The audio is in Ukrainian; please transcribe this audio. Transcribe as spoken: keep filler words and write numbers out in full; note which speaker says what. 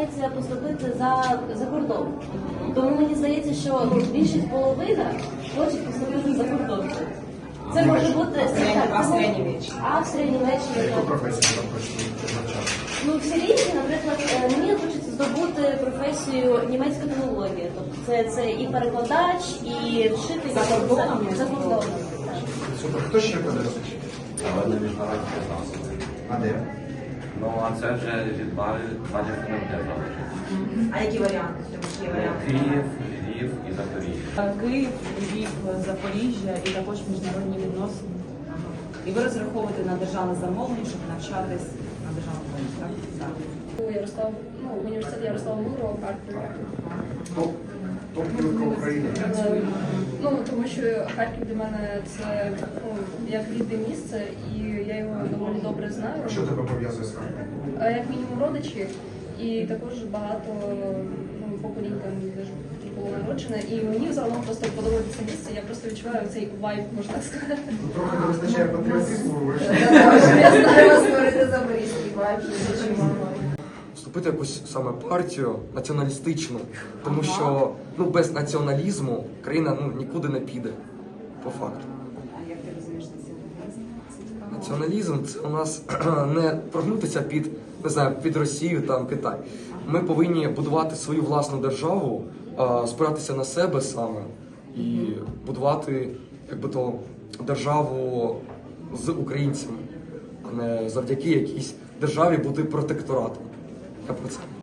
Speaker 1: намагається поступити за, за кордон. Тому мені здається, що ну, більшість половина хоче поступити за кордон. Це може бути
Speaker 2: Австрія, Німеччина.
Speaker 1: Австрія, Німеччина.
Speaker 3: Яку професію там хочете навчати?
Speaker 1: Ну, всі різні, наприклад, е, мені хочеться здобути професію німецька філологія. Тобто це, це і перекладач, і вчитель
Speaker 2: За кордоном?
Speaker 1: за кордоном. так.
Speaker 3: Супер. Хто ще подивився?
Speaker 4: Але на міжнародні відносини.
Speaker 3: А де?
Speaker 4: Ну, а це вже від два, два дефінити залежить.
Speaker 2: А які варіанти? Які варіанти?
Speaker 4: Київ, Львів і Запоріжжя.
Speaker 5: Київ, Львів, Запоріжжя і також міжнародні відносини. І ви розраховуєте на державне замовлення, щоб навчатись на державному рівні, так? Так.
Speaker 6: Ярослав, ну, університет Ярослава Мудрого в Харкові.
Speaker 3: Топ. Топ-кілка України.
Speaker 6: Е, Ну, тому що Харків для мене це ну, як рідне місце, і я його доволі добре знаю.
Speaker 3: А що тебе пов'язує з Харковом?
Speaker 6: А як мінімум родичі, і також багато ну, поколінь там теж було народжене. І мені загалом просто подобається це місце, я просто відчуваю цей вайб, можна сказати.
Speaker 3: Ну, трохи не вистачає патріотизму, ви ж.
Speaker 2: Треба створити запорізький вайб, що чим
Speaker 7: Вступити в якусь саме партію націоналістичну, тому що ну, без націоналізму країна ну, нікуди не піде, по факту.
Speaker 5: А як ти розумієш націоналізм? Це цікаво.
Speaker 7: Націоналізм це у нас не прогнутися під, не знаю, під Росію, там, Китай. Ми повинні будувати свою власну державу, а, спиратися на себе саме і будувати якби то, державу з українцями, а не завдяки якійсь державі бути протекторатом. Я про це.